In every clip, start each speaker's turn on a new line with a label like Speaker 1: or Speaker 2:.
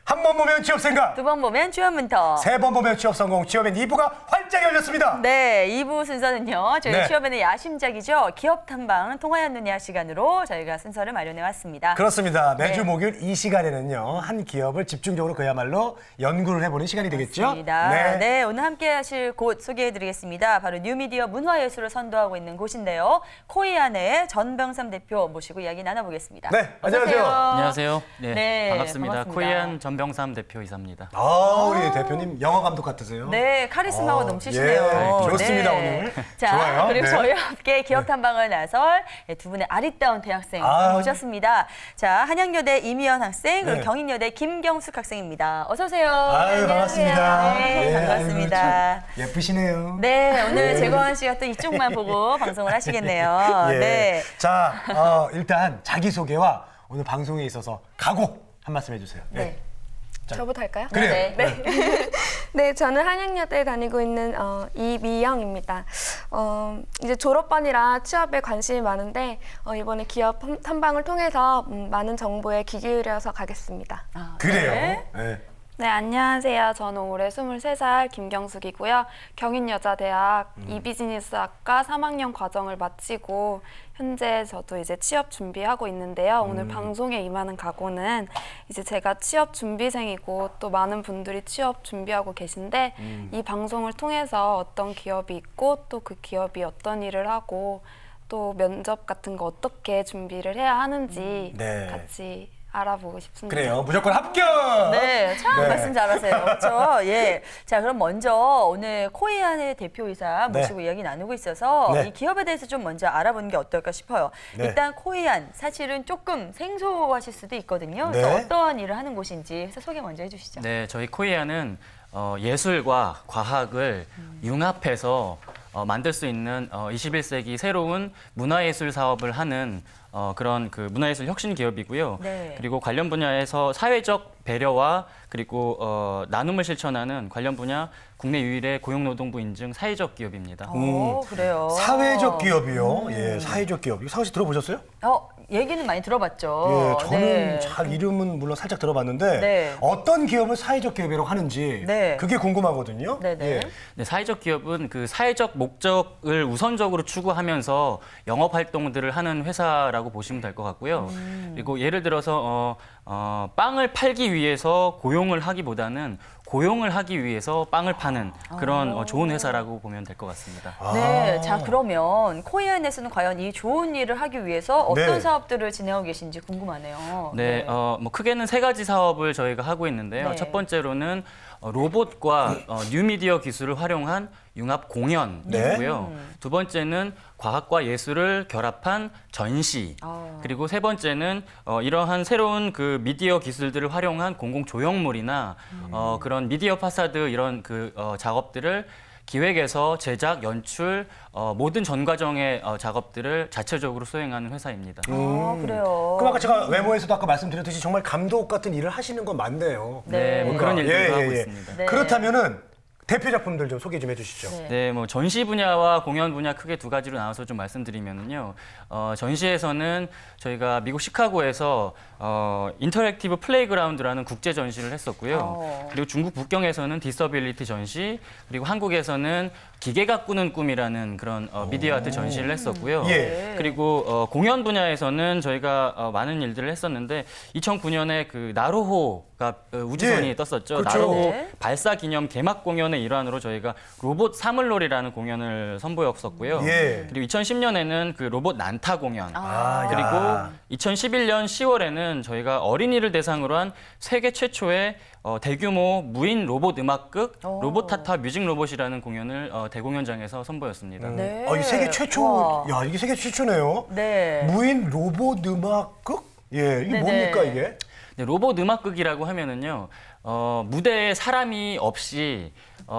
Speaker 1: 한 번 보면 취업 생각,
Speaker 2: 두 번 보면 취업문터,
Speaker 1: 세 번 보면 취업 성공, 취업엔 2부가 활짝 열렸습니다.
Speaker 2: 네, 2부 순서는요. 저희
Speaker 1: 네.
Speaker 2: 취업엔의 야심작이죠. 기업 탐방 통하얀 눈이야 시간으로 저희가 순서를 마련해 왔습니다.
Speaker 1: 그렇습니다. 매주
Speaker 2: 네.
Speaker 1: 목요일 이 시간에는요. 한 기업을 집중적으로 그야말로 연구를 해보는 시간이 되겠죠?
Speaker 2: 맞습니다. 네, 오늘 함께 하실 곳 소개해드리겠습니다. 바로 뉴미디어 문화예술을 선도하고 있는 곳인데요. 코이안의 전병삼 대표 모시고 이야기 나눠보겠습니다.
Speaker 1: 네,
Speaker 2: 어서 오세요.
Speaker 1: 안녕하세요.
Speaker 3: 안녕하세요. 네,
Speaker 2: 네,
Speaker 3: 반갑습니다.
Speaker 2: 반갑습니다.
Speaker 3: 코이안 전병삼 대표이사입니다.
Speaker 1: 아, 우리 대표님 영화 감독 같으세요?
Speaker 2: 네, 카리스마가 넘치시네요.
Speaker 1: 예, 좋습니다,
Speaker 2: 네.
Speaker 1: 오늘.
Speaker 2: 자,
Speaker 1: 좋아요.
Speaker 2: 그리고
Speaker 1: 네.
Speaker 2: 저희와 함께 기업 탐방을 나설 두 분의 아리따운 대학생 모셨습니다. 자, 한양여대 이미연 학생, 그리고
Speaker 1: 네.
Speaker 2: 경인여대 김경숙 학생입니다. 어서 오세요.
Speaker 1: 아유, 반갑습니다.
Speaker 2: 네,
Speaker 1: 예,
Speaker 2: 반갑습니다.
Speaker 1: 아유, 참 예쁘시네요.
Speaker 2: 네, 오늘 재건 씨가 또 이쪽만 보고 방송을 하시겠네요.
Speaker 1: 예.
Speaker 2: 네.
Speaker 1: 자, 일단 자기소개와 오늘 방송에 있어서 각오 한 말씀 해주세요.
Speaker 2: 네.
Speaker 4: 저부터 할까요?
Speaker 1: 그래요.
Speaker 2: 네.
Speaker 4: 네, 저는 한양여대에 다니고 있는 이미영입니다. 이제 졸업반이라 취업에 관심이 많은데 이번에 기업 탐방을 통해서 많은 정보에 귀 기울여서 가겠습니다.
Speaker 2: 아,
Speaker 1: 그래요.
Speaker 2: 네.
Speaker 1: 네.
Speaker 5: 네, 안녕하세요. 저는 올해 23살 김경숙이고요. 경인여자대학 이비즈니스학과 3학년 과정을 마치고 현재 저도 이제 취업 준비하고 있는데요. 오늘 방송에 임하는 각오는 이제 제가 취업 준비생이고 또 많은 분들이 취업 준비하고 계신데 이 방송을 통해서 어떤 기업이 있고 또 그 기업이 어떤 일을 하고 또 면접 같은 거 어떻게 준비를 해야 하는지
Speaker 1: 네.
Speaker 5: 같이 알아보고 싶습니다.
Speaker 1: 그래요. 무조건 합격!
Speaker 2: 네, 참
Speaker 1: 네.
Speaker 2: 말씀 잘하세요. 그렇죠? 예. 자, 그럼 먼저 오늘 코이안의 대표이사 모시고
Speaker 1: 네.
Speaker 2: 이야기 나누고 있어서
Speaker 1: 네.
Speaker 2: 이 기업에 대해서 좀 먼저 알아보는 게 어떨까 싶어요.
Speaker 1: 네.
Speaker 2: 일단 코이안 사실은 조금 생소하실 수도 있거든요.
Speaker 1: 네.
Speaker 2: 그래서 어떠한 일을 하는 곳인지 회사 소개 먼저 해주시죠.
Speaker 3: 네, 저희 코이안은 예술과 과학을 융합해서 만들 수 있는 21세기 새로운 문화예술 사업을 하는 그런 그 문화예술 혁신 기업이고요.
Speaker 2: 네.
Speaker 3: 그리고 관련 분야에서 사회적 배려와 그리고 나눔을 실천하는 관련 분야 국내 유일의 고용노동부 인증 사회적 기업입니다.
Speaker 2: 그래요.
Speaker 1: 사회적 기업이요. 예, 사회적 기업. 이거 상호 씨 들어보셨어요?
Speaker 2: 얘기는 많이 들어봤죠.
Speaker 1: 예, 저는
Speaker 2: 네.
Speaker 1: 잘 이름은 물론 살짝 들어봤는데
Speaker 2: 네.
Speaker 1: 어떤 기업을 사회적 기업이라고 하는지
Speaker 2: 네.
Speaker 1: 그게 궁금하거든요.
Speaker 2: 네네.
Speaker 1: 예.
Speaker 3: 네, 사회적 기업은 그 사회적 목적을 우선적으로 추구하면서 영업 활동들을 하는 회사라고 보시면 될 것 같고요. 그리고 예를 들어서 빵을 팔기 위해서 고용을 하기보다는 고용을 하기 위해서 빵을 파는 그런 좋은 회사라고 보면 될 것 같습니다.
Speaker 2: 네, 자 그러면 코이안에서는 과연 이 좋은 일을 하기 위해서 어떤
Speaker 1: 네.
Speaker 2: 사업들을 진행하고 계신지 궁금하네요.
Speaker 3: 네, 뭐 크게는 세 가지 사업을 저희가 하고 있는데요.
Speaker 2: 네.
Speaker 3: 첫 번째로는 로봇과 뉴미디어 기술을 활용한 융합 공연이고요. 두 번째는 과학과 예술을 결합한 전시. 그리고 세 번째는 이러한 새로운 그 미디어 기술들을 활용한 공공 조형물이나 그런 미디어 파사드 이런 그 작업들을 기획에서 제작, 연출, 모든 전 과정의 작업들을 자체적으로 수행하는 회사입니다.
Speaker 2: 그래요.
Speaker 1: 그럼 아까 제가 외모에서도 아까 말씀드렸듯이 정말 감독 같은 일을 하시는 건 맞네요.
Speaker 2: 네.
Speaker 3: 뭐 그런 일들도 하고 있습니다.
Speaker 2: 네.
Speaker 1: 그렇다면은 대표 작품들 좀 소개 좀 해주시죠.
Speaker 2: 네.
Speaker 3: 네, 뭐 전시 분야와 공연 분야 크게 두 가지로 나눠서 좀 말씀드리면은요. 전시에서는 저희가 미국 시카고에서 인터랙티브 플레이그라운드라는 국제 전시를 했었고요. 그리고 중국 북경에서는 디서빌리티 전시, 그리고 한국에서는 기계가 꾸는 꿈이라는 그런 미디어 아트 전시를 했었고요.
Speaker 1: 예.
Speaker 3: 그리고 공연 분야에서는 저희가 많은 일들을 했었는데 2009년에 그 나로호가 우주선이
Speaker 1: 예.
Speaker 3: 떴었죠.
Speaker 1: 그렇죠.
Speaker 3: 나로호
Speaker 2: 네.
Speaker 3: 발사 기념 개막 공연의 일환으로 저희가 로봇 사물놀이라는 공연을 선보였었고요.
Speaker 1: 예.
Speaker 3: 그리고 2010년에는 그 로봇 난타 공연. 그리고
Speaker 1: 야.
Speaker 3: 2011년 10월에는 저희가 어린이를 대상으로 한 세계 최초의 대규모 무인 로봇 음악극 로봇타타 뮤직 로봇이라는 공연을 대공연장에서 선보였습니다.
Speaker 2: 네.
Speaker 1: 이 세계 최초,
Speaker 2: 와.
Speaker 1: 야 이게 세계 최초네요.
Speaker 2: 네.
Speaker 1: 무인 로봇 음악극? 예, 이게
Speaker 2: 네네.
Speaker 1: 뭡니까 이게?
Speaker 3: 네, 로봇 음악극이라고 하면은요, 무대에 사람이 없이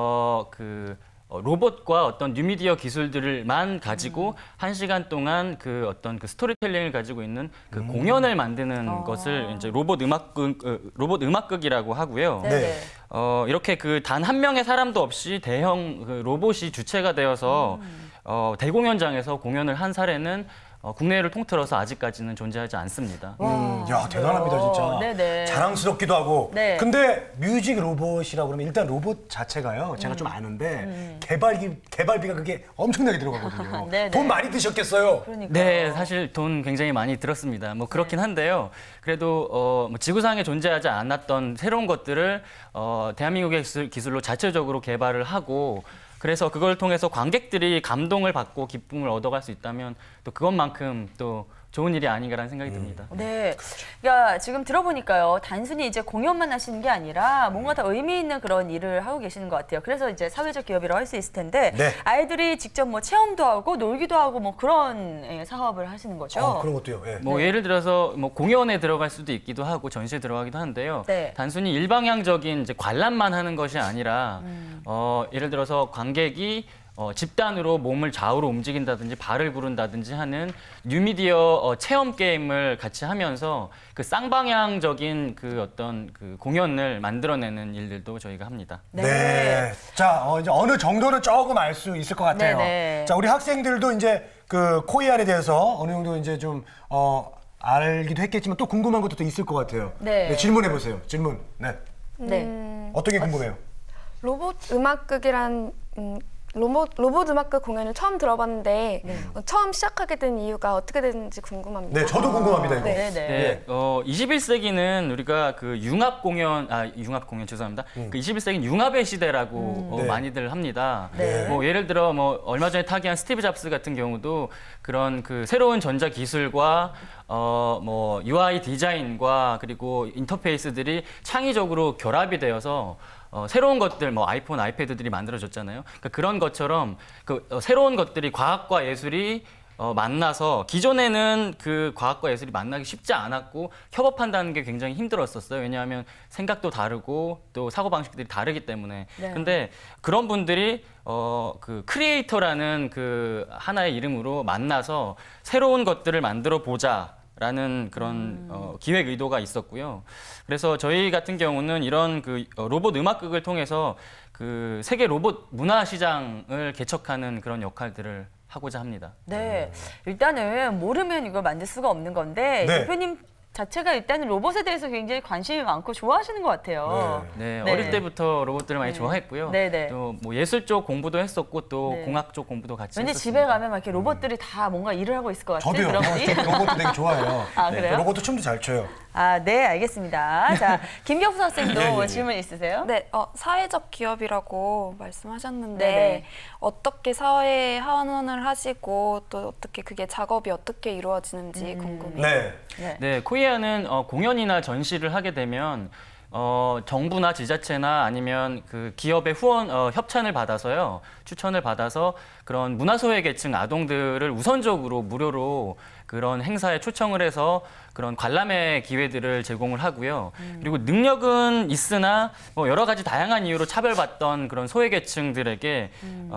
Speaker 3: 로봇과 어떤 뉴미디어 기술들만 가지고 1시간 동안 그 어떤 그 스토리텔링을 가지고 있는 그 공연을 만드는 것을 이제 로봇 음악극이라고 하고요.
Speaker 2: 네.
Speaker 3: 이렇게 그 단 한 명의 사람도 없이 대형 그 로봇이 주체가 되어서 대공연장에서 공연을 한 사례는 국내를 통틀어서 아직까지는 존재하지 않습니다.
Speaker 1: 야, 대단합니다, 진짜.
Speaker 2: 네네.
Speaker 1: 자랑스럽기도 하고.
Speaker 2: 네.
Speaker 1: 근데 뮤직 로봇이라고 그러면 일단 로봇 자체가요, 제가 좀 아는데 개발비가 그게 엄청나게 들어가거든요.
Speaker 2: 네네.
Speaker 1: 돈 많이 드셨겠어요?
Speaker 2: 그러니까.
Speaker 3: 네, 사실 돈 굉장히 많이 들었습니다. 뭐 그렇긴 한데요. 그래도 뭐 지구상에 존재하지 않았던 새로운 것들을 대한민국의 기술로 자체적으로 개발을 하고 그래서 그걸 통해서 관객들이 감동을 받고 기쁨을 얻어갈 수 있다면 또 그것만큼 또 좋은 일이 아닌가라는 생각이 듭니다.
Speaker 2: 네. 그러니까 지금 들어보니까요. 단순히 이제 공연만 하시는 게 아니라 뭔가 더 의미 있는 그런 일을 하고 계시는 것 같아요. 그래서 이제 사회적 기업이라고 할 수 있을 텐데
Speaker 1: 네.
Speaker 2: 아이들이 직접 뭐 체험도 하고 놀기도 하고 뭐 그런 사업을 하시는 거죠.
Speaker 1: 그런 것도요. 예.
Speaker 3: 뭐 예를 들어서 뭐 공연에 들어갈 수도 있기도 하고 전시에 들어가기도 하는데요.
Speaker 2: 네.
Speaker 3: 단순히 일방향적인 이제 관람만 하는 것이 아니라 예를 들어서 관객이 집단으로 몸을 좌우로 움직인다든지 발을 구른다든지 하는 뉴미디어 체험 게임을 같이 하면서 그 쌍방향적인 그 어떤 그 공연을 만들어내는 일들도 저희가 합니다.
Speaker 1: 네. 자, 이제 어느 정도는 조금 알 수 있을 것 같아요.
Speaker 2: 네네.
Speaker 1: 자, 우리 학생들도 이제 그 코이안에 대해서 어느 정도 이제 좀 알기도 했겠지만 또 궁금한 것도 또 있을 것 같아요.
Speaker 2: 네.
Speaker 1: 질문해 보세요. 질문. 네.
Speaker 2: 네.
Speaker 1: 어떤 게 궁금해요?
Speaker 4: 로봇 음악극이란 로봇 음악극 공연을 처음 들어봤는데 처음 시작하게 된 이유가 어떻게 됐는지 궁금합니다.
Speaker 1: 네, 저도 궁금합니다, 이거.
Speaker 2: 네.
Speaker 3: 네, 21세기는 우리가 그 융합 공연 죄송합니다. 그 21세기는 융합의 시대라고
Speaker 1: 네.
Speaker 3: 많이들 합니다.
Speaker 2: 네.
Speaker 3: 뭐 예를 들어 뭐 얼마 전에 타계한 스티브 잡스 같은 경우도 그런 그 새로운 전자 기술과 뭐 UI 디자인과 그리고 인터페이스들이 창의적으로 결합이 되어서 새로운 것들, 뭐 아이폰, 아이패드들이 만들어졌잖아요. 그러니까 그런 것처럼 그 새로운 것들이 과학과 예술이 만나서 기존에는 그 과학과 예술이 만나기 쉽지 않았고 협업한다는 게 굉장히 힘들었었어요. 왜냐하면 생각도 다르고 또 사고방식들이 다르기 때문에.
Speaker 2: 네.
Speaker 3: 근데 그런 분들이 그 크리에이터라는 그 하나의 이름으로 만나서 새로운 것들을 만들어 보자. 라는 그런 기획 의도가 있었고요. 그래서 저희 같은 경우는 이런 그 로봇 음악극을 통해서 그 세계 로봇 문화 시장을 개척하는 그런 역할들을 하고자 합니다.
Speaker 2: 네. 일단은 모르면 이걸 만들 수가 없는 건데
Speaker 1: 네.
Speaker 2: 대표님 자체가 일단은 로봇에 대해서 굉장히 관심이 많고 좋아하시는 것 같아요.
Speaker 3: 네,
Speaker 2: 네.
Speaker 3: 어릴 때부터 로봇들을 많이 좋아했고요.
Speaker 2: 네네.
Speaker 3: 또 뭐 예술 쪽 공부도 했었고 또
Speaker 2: 네.
Speaker 3: 공학 쪽 공부도 같이
Speaker 2: 왠지
Speaker 3: 했었습니다.
Speaker 2: 집에 가면 막 이렇게 로봇들이 다 뭔가 일을 하고 있을 것 같은
Speaker 1: 저도요.
Speaker 2: 그런 분이.
Speaker 1: 저도 로봇도 되게 좋아해요.
Speaker 2: 아, 그래요?
Speaker 1: 로봇도 춤도 잘 춰요.
Speaker 2: 아, 네, 알겠습니다. 자, 김경수 선생님도
Speaker 1: 예, 예.
Speaker 2: 질문 있으세요?
Speaker 5: 네, 사회적 기업이라고 말씀하셨는데
Speaker 2: 네네.
Speaker 5: 어떻게 사회에 하원을 하시고 또 어떻게 그게 작업이 어떻게 이루어지는지 궁금해요.
Speaker 1: 네.
Speaker 2: 네.
Speaker 3: 네, 코이아는 공연이나 전시를 하게 되면 정부나 지자체나 아니면 그 기업의 후원 협찬을 받아서요, 추천을 받아서 그런 문화소외 계층 아동들을 우선적으로 무료로 그런 행사에 초청을 해서 그런 관람의 기회들을 제공을 하고요. 그리고 능력은 있으나 뭐 여러 가지 다양한 이유로 차별받던 그런 소외계층들에게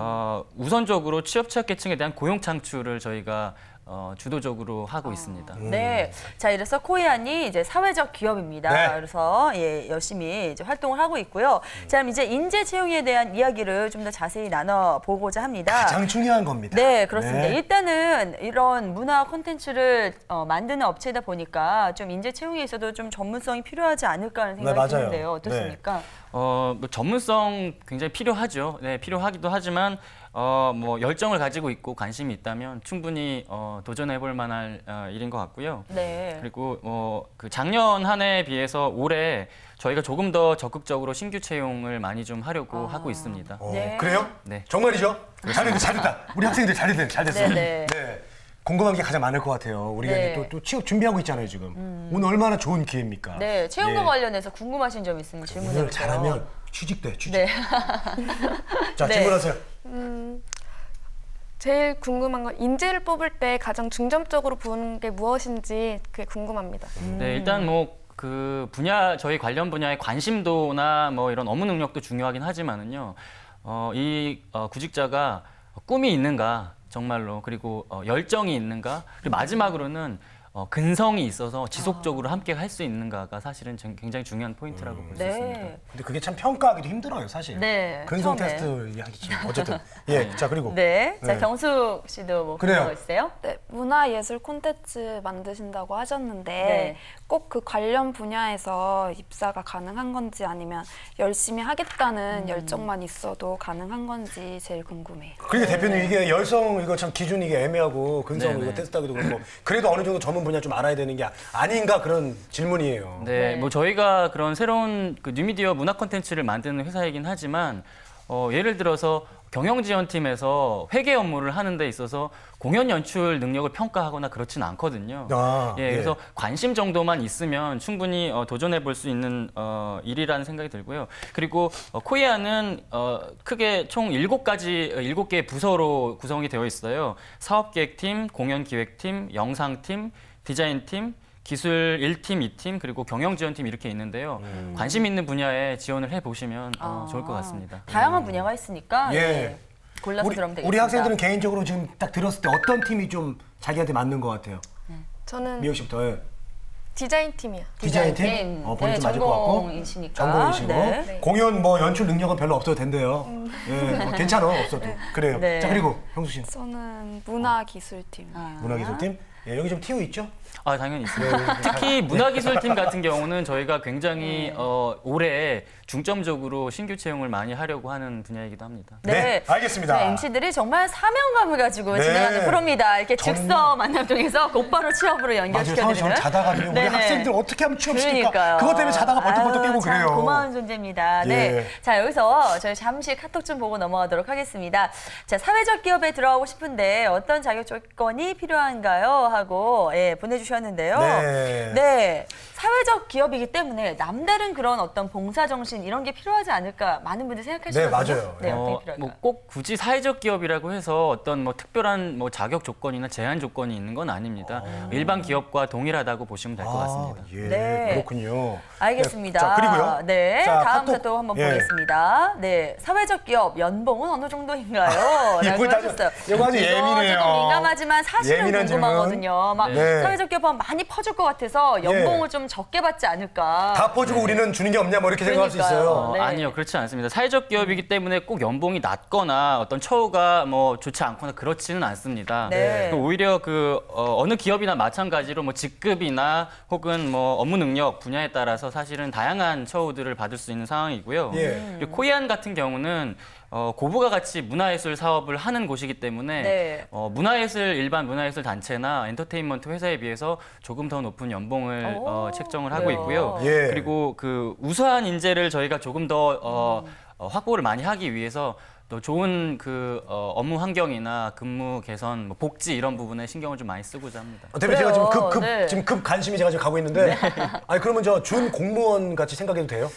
Speaker 3: 우선적으로 취약계층에 대한 고용 창출을 저희가 주도적으로 하고 있습니다.
Speaker 2: 네. 자, 이래서 코이안이 이제 사회적 기업입니다.
Speaker 1: 네.
Speaker 2: 그래서 열심히 이제 활동을 하고 있고요. 자, 그럼 이제 인재 채용에 대한 이야기를 좀 더 자세히 나눠보고자 합니다.
Speaker 1: 가장 중요한 겁니다.
Speaker 2: 네, 그렇습니다.
Speaker 1: 네.
Speaker 2: 일단은 이런 문화 콘텐츠를 만드는 업체이다 보니까 좀 인재 채용에 있어도 좀 전문성이 필요하지 않을까 하는 생각이
Speaker 1: 맞아요.
Speaker 2: 드는데요. 어떻습니까?
Speaker 3: 뭐 전문성 굉장히 필요하죠. 네, 필요하기도 하지만 뭐 열정을 가지고 있고 관심이 있다면 충분히 도전해볼 만한 일인 것 같고요.
Speaker 2: 네.
Speaker 3: 그리고 그 작년 한 해에 비해서 올해 저희가 조금 더 적극적으로 신규 채용을 많이 좀 하려고 하고 있습니다.
Speaker 2: 네.
Speaker 1: 그래요?
Speaker 3: 네.
Speaker 1: 정말이죠? 잘됐다. 우리 학생들 잘됐어.
Speaker 2: 네.
Speaker 1: 네. 궁금한 게 가장 많을 것 같아요. 우리가
Speaker 2: 네.
Speaker 1: 이제 또 취업 준비하고 있잖아요, 지금. 오늘 얼마나 좋은 기회입니까?
Speaker 2: 네, 채용과
Speaker 1: 예.
Speaker 2: 관련해서 궁금하신 점 있으면 질문해
Speaker 1: 오늘
Speaker 2: 주세요.
Speaker 1: 잘하면 취직돼, 취직.
Speaker 2: 네.
Speaker 1: 자,
Speaker 2: 네.
Speaker 1: 질문하세요.
Speaker 4: 제일 궁금한 건 인재를 뽑을 때 가장 중점적으로 보는 게 무엇인지 그게 궁금합니다.
Speaker 3: 네, 일단 뭐 그 분야 저희 관련 분야의 관심도나 뭐 이런 업무 능력도 중요하긴 하지만은요. 이 구직자가 꿈이 있는가 정말로 그리고 열정이 있는가 그리고 마지막으로는 근성이 있어서 지속적으로 함께 할 수 있는가가 사실은 굉장히 중요한 포인트라고 볼 수 있습니다.
Speaker 1: 근데 그게 참 평가하기도 힘들어요, 사실.
Speaker 2: 네,
Speaker 1: 근성
Speaker 2: 처음에.
Speaker 1: 테스트 하기 좀 어쨌든. 예, 자 그리고.
Speaker 2: 네. 자,
Speaker 1: 네.
Speaker 2: 경숙 씨도 뭐
Speaker 1: 그래요.
Speaker 2: 그런 거 있어요?
Speaker 5: 네, 문화예술 콘텐츠 만드신다고 하셨는데
Speaker 2: 네.
Speaker 5: 꼭 그 관련 분야에서 입사가 가능한 건지 아니면 열심히 하겠다는 열정만 있어도 가능한 건지 제일 궁금해요.
Speaker 1: 그러니까 대표님 이게 열성 이거 참 기준이 이게 애매하고 근성
Speaker 3: 네네.
Speaker 1: 이거 테스트하기도 그렇고 그래도 어느 정도 전문 분야 좀 알아야 되는 게 아닌가 그런 질문이에요.
Speaker 3: 네, 뭐 저희가 그런 새로운 그 뉴미디어 문화 콘텐츠를 만드는 회사이긴 하지만 예를 들어서 경영지원팀에서 회계 업무를 하는 데 있어서 공연 연출 능력을 평가하거나 그렇지는 않거든요.
Speaker 1: 예.
Speaker 3: 그래서 관심 정도만 있으면 충분히 도전해 볼 수 있는 일이라는 생각이 들고요. 그리고 코이아는 크게 총 7개의 부서로 구성이 되어 있어요. 사업기획팀, 공연기획팀, 영상팀, 디자인팀, 기술 1팀, 2팀, 그리고 경영지원팀 이렇게 있는데요. 관심 있는 분야에 지원을 해보시면 좋을 것 같습니다.
Speaker 2: 다양한 분야가 있으니까
Speaker 1: 예.
Speaker 2: 예. 골라서 들어오면 되겠습니다.
Speaker 1: 우리 학생들은 개인적으로 지금 딱 들었을 때 어떤 팀이 좀 자기한테 맞는 것 같아요?
Speaker 4: 저는
Speaker 1: 미영 씨부터. 예.
Speaker 4: 디자인 팀이요.
Speaker 1: 디자인팀? 본인 좀 맞을 것 같고.
Speaker 2: 전공이시니까.
Speaker 1: 전공이시고.
Speaker 2: 네.
Speaker 1: 공연 뭐 연출 능력은 별로 없어도 된대요. 예, 뭐 괜찮아, 없어도. 그래요.
Speaker 2: 네.
Speaker 1: 자, 그리고 형수 씨는
Speaker 5: 저는 문화기술팀.
Speaker 1: 문화기술팀? 예, 여기 좀 TU 있죠?
Speaker 3: 당연히 있습니다. 특히 문화기술팀 같은 경우는 저희가 굉장히 올해 중점적으로 신규 채용을 많이 하려고 하는 분야이기도 합니다.
Speaker 1: 네, 알겠습니다.
Speaker 2: MC들이 정말 사명감을 가지고
Speaker 1: 네.
Speaker 2: 진행하는 프로입니다. 이렇게 즉석 만남 통해서 곧바로 취업으로
Speaker 1: 맞아요.
Speaker 2: 연결시켜드리는.
Speaker 1: 저는 자다가 우리
Speaker 2: 네네.
Speaker 1: 학생들 어떻게 하면 취업시킬까?
Speaker 2: 그러니까요.
Speaker 1: 그것 때문에 자다가 벌떡벌떡
Speaker 2: 아유,
Speaker 1: 깨고
Speaker 2: 참
Speaker 1: 그래요.
Speaker 2: 고마운 존재입니다.
Speaker 1: 예.
Speaker 2: 네. 자, 여기서 저희 잠시 카톡 좀 보고 넘어가도록 하겠습니다. 자, 사회적 기업에 들어가고 싶은데 어떤 자격 조건이 필요한가요? 하고 보내주셨는데요.
Speaker 1: 네.
Speaker 2: 사회적 기업이기 때문에 남다른 그런 어떤 봉사 정신 이런 게 필요하지 않을까 많은 분들이 생각하시거든요.
Speaker 1: 네, 맞아요.
Speaker 2: 네, 어떻게 필요할까요?
Speaker 3: 뭐 꼭 굳이 사회적 기업이라고 해서 어떤 뭐 특별한 뭐 자격 조건이나 제한 조건이 있는 건 아닙니다. 일반 기업과 동일하다고 보시면 될 것 같습니다.
Speaker 1: 예,
Speaker 2: 네.
Speaker 1: 그렇군요.
Speaker 2: 알겠습니다.
Speaker 1: 자, 그리고요.
Speaker 2: 네,
Speaker 1: 자,
Speaker 2: 다음
Speaker 1: 카톡.
Speaker 2: 또 한번
Speaker 1: 예.
Speaker 2: 보겠습니다. 네, 사회적 기업 연봉은 어느 정도인가요?
Speaker 1: 이거
Speaker 2: 라고 하셨어요.
Speaker 1: 이거 아주 예민해요.
Speaker 2: 조금 민감하지만 사실은
Speaker 1: 예민한
Speaker 2: 궁금하거든요. 막
Speaker 1: 네.
Speaker 2: 사회적 기업은 많이 퍼줄 것 같아서 연봉을 좀 적게 받지 않을까.
Speaker 1: 다 퍼주고 우리는 주는 게 없냐 뭐 이렇게 생각할 수
Speaker 2: 그러니까요.
Speaker 1: 있어요.
Speaker 2: 네.
Speaker 3: 아니요, 그렇지 않습니다. 사회적 기업이기 때문에 꼭 연봉이 낮거나 어떤 처우가 뭐 좋지 않거나 그렇지는 않습니다.
Speaker 2: 네.
Speaker 3: 오히려 어느 기업이나 마찬가지로 뭐 직급이나 혹은 뭐 업무 능력 분야에 따라서 사실은 다양한 처우들을 받을 수 있는 상황이고요.
Speaker 1: 예.
Speaker 3: 그리고 코이안 같은 경우는 고부가 같이 문화예술 사업을 하는 곳이기 때문에
Speaker 2: 네.
Speaker 3: 일반 문화예술 단체나 엔터테인먼트 회사에 비해서 조금 더 높은 연봉을 책정을 하고
Speaker 2: 그래요?
Speaker 3: 있고요.
Speaker 1: 예.
Speaker 3: 그리고 그 우수한 인재를 저희가 조금 더 확보를 많이 하기 위해서 또 좋은 업무 환경이나 근무 개선, 뭐 복지 이런 부분에 신경을 좀 많이 쓰고자 합니다.
Speaker 1: 대표 제가 지금
Speaker 2: 네.
Speaker 1: 지금 급 관심이 제가 지금 가고 있는데 아니 그러면 저 준 공무원 같이 생각해도 돼요?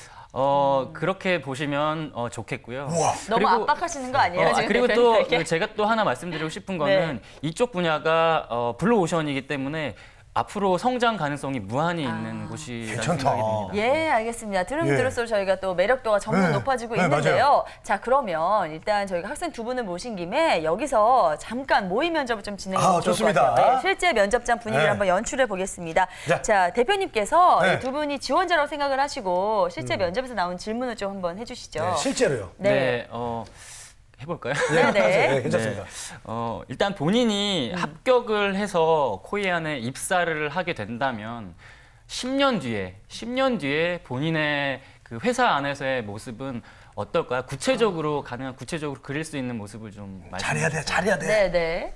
Speaker 3: 그렇게 보시면 좋겠고요.
Speaker 1: 우와.
Speaker 2: 너무
Speaker 3: 그리고,
Speaker 2: 압박하시는 거 아니에요? 지금
Speaker 3: 그리고 또
Speaker 2: 대표님에게?
Speaker 3: 제가 또 하나 말씀드리고 싶은 거는 이쪽 분야가 블루오션이기 때문에 앞으로 성장 가능성이 무한히 있는 곳이라는
Speaker 1: 괜찮다.
Speaker 3: 생각이 듭니다.
Speaker 2: 예, 알겠습니다. 들으면
Speaker 1: 예.
Speaker 2: 들을수록 저희가 또 매력도가 점점
Speaker 1: 네.
Speaker 2: 높아지고
Speaker 1: 네,
Speaker 2: 있는데요.
Speaker 1: 맞아요.
Speaker 2: 자, 그러면 일단 저희가 학생 두 분을 모신 김에 여기서 잠깐 모의 면접을 좀 진행해 보면 좋을 것
Speaker 1: 좋습니다.
Speaker 2: 같아요. 예, 실제 면접장 분위기를
Speaker 1: 네.
Speaker 2: 한번 연출해 보겠습니다.
Speaker 1: 자.
Speaker 2: 자, 대표님께서
Speaker 1: 네.
Speaker 2: 이 두 분이 지원자라고 생각을 하시고 실제 면접에서 나온 질문을 좀 한번 해주시죠.
Speaker 1: 네, 실제로요.
Speaker 2: 네.
Speaker 3: 해볼까요?
Speaker 2: 네, 네.
Speaker 1: 네, 괜찮습니다.
Speaker 3: 일단 본인이 합격을 해서 코이안에 입사를 하게 된다면 10년 뒤에 본인의 그 회사 안에서의 모습은 어떨까요? 구체적으로 그릴 수 있는 모습을 좀
Speaker 1: 잘해야 돼, 잘해야 돼.
Speaker 2: 네, 네.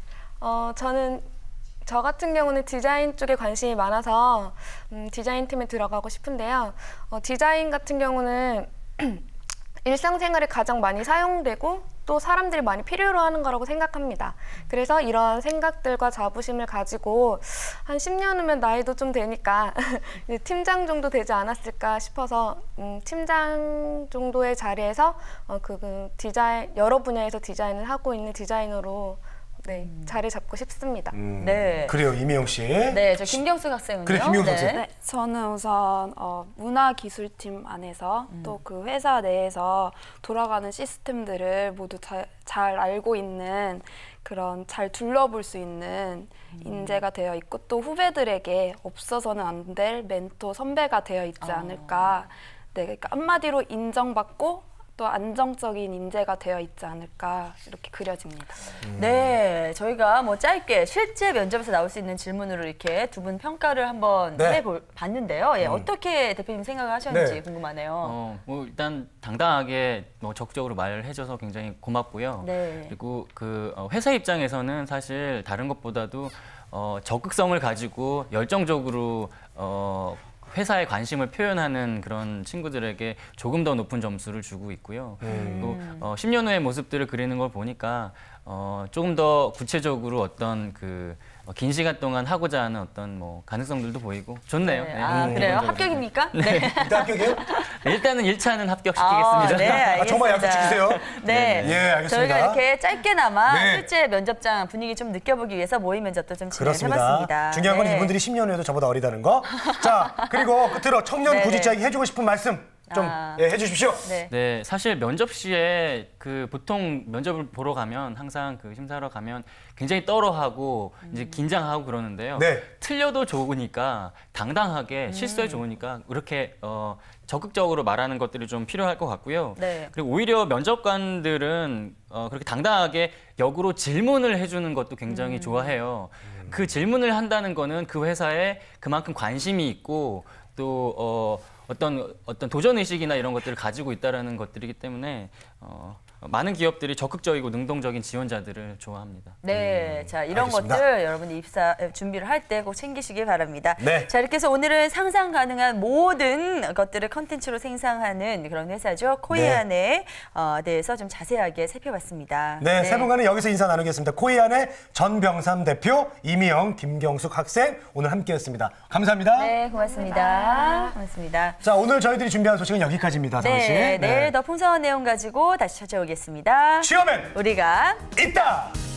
Speaker 4: 저 같은 경우는 디자인 쪽에 관심이 많아서 디자인 팀에 들어가고 싶은데요. 디자인 같은 경우는 일상생활에 가장 많이 사용되고 또 사람들이 많이 필요로 하는 거라고 생각합니다. 그래서 이런 생각들과 자부심을 가지고 한 10년 후면 나이도 좀 되니까 이제 팀장 정도 되지 않았을까 싶어서 팀장 정도의 자리에서 디자인 여러 분야에서 디자인을 하고 있는 디자이너로 네, 자리 잡고 싶습니다.
Speaker 2: 네.
Speaker 1: 그래요, 이미영 씨.
Speaker 2: 네, 저 김경숙 학생은요.
Speaker 1: 그래, 김경숙 학생.
Speaker 5: 네, 저는 우선 문화기술팀 안에서 또 그 회사 내에서 돌아가는 시스템들을 모두 잘 알고 있는 그런 잘 둘러볼 수 있는 인재가 되어 있고 또 후배들에게 없어서는 안 될 멘토 선배가 되어 있지 않을까. 네, 그러니까 한마디로 인정받고 또 안정적인 인재가 되어 있지 않을까 이렇게 그려집니다.
Speaker 2: 네, 저희가 뭐 짧게 실제 면접에서 나올 수 있는 질문으로 이렇게 두 분 평가를 한번
Speaker 1: 네.
Speaker 2: 해봤는데요. 예, 어떻게 대표님 생각을 하셨는지
Speaker 1: 네.
Speaker 2: 궁금하네요.
Speaker 3: 뭐 일단 당당하게 뭐 적극적으로 말을 해줘서 굉장히 고맙고요.
Speaker 2: 네.
Speaker 3: 그리고 그 회사 입장에서는 사실 다른 것보다도 적극성을 가지고 열정적으로 회사에 관심을 표현하는 그런 친구들에게 조금 더 높은 점수를 주고 있고요. 또 10년 후의 모습들을 그리는 걸 보니까 조금 더 구체적으로 어떤 긴 시간 동안 하고자 하는 어떤 뭐 가능성들도 보이고 좋네요.
Speaker 2: 네.
Speaker 3: 네.
Speaker 2: 아, 그래요?
Speaker 3: 기본적으로.
Speaker 2: 합격입니까?
Speaker 3: 네.
Speaker 1: 일단 합격이에요?
Speaker 3: 네, 일단은 1차는 합격시키겠습니다.
Speaker 2: 네, 알겠습니다.
Speaker 1: 정말 약속 지키세요.
Speaker 2: 네.
Speaker 1: 예, 알겠습니다.
Speaker 2: 저희가 이렇게 짧게나마
Speaker 1: 네.
Speaker 2: 실제 면접장 분위기 좀 느껴보기 위해서 모의 면접도 좀
Speaker 1: 그렇습니다.
Speaker 2: 진행해봤습니다.
Speaker 1: 중요한 건
Speaker 2: 네.
Speaker 1: 이분들이 10년 후에도 저보다 어리다는 거. 자, 그리고 끝으로 청년
Speaker 2: 네,
Speaker 1: 구직자에게 해주고 싶은 말씀 좀 해주십시오.
Speaker 2: 네.
Speaker 3: 네, 사실 면접 시에 보통 면접을 보러 가면 항상 심사하러 가면 굉장히 떨어하고 이제 긴장하고 그러는데요.
Speaker 1: 네.
Speaker 3: 틀려도 좋으니까 당당하게 실수해 좋으니까 이렇게 적극적으로 말하는 것들이 좀 필요할 것 같고요.
Speaker 2: 네.
Speaker 3: 그리고 오히려 면접관들은 그렇게 당당하게 역으로 질문을 해주는 것도 굉장히 좋아해요. 그 질문을 한다는 거는 그 회사에 그만큼 관심이 있고 또 어떤 도전 의식이나 이런 것들을 가지고 있다라는 것들이기 때문에 많은 기업들이 적극적이고 능동적인 지원자들을 좋아합니다.
Speaker 2: 네, 자 이런
Speaker 1: 알겠습니다.
Speaker 2: 것들 여러분이 입사 준비를 할 때 꼭 챙기시길 바랍니다.
Speaker 1: 네.
Speaker 2: 자 이렇게 해서 오늘은 상상 가능한 모든 것들을 컨텐츠로 생산하는 그런 회사죠. 코이안에 대해서 좀 자세하게 살펴봤습니다.
Speaker 1: 네, 세 분과는 여기서 인사 나누겠습니다. 코이안의 전병삼 대표, 이미영, 김경숙 학생 오늘 함께했습니다. 감사합니다.
Speaker 2: 네, 고맙습니다. 고맙습니다.
Speaker 1: 자, 오늘 저희들이 준비한 소식은 여기까지입니다. 상훈 씨.
Speaker 2: 네, 내일 더 풍성한 내용 가지고 다시 찾아오겠습니다.
Speaker 1: 취업엔
Speaker 2: 우리가
Speaker 1: 있다.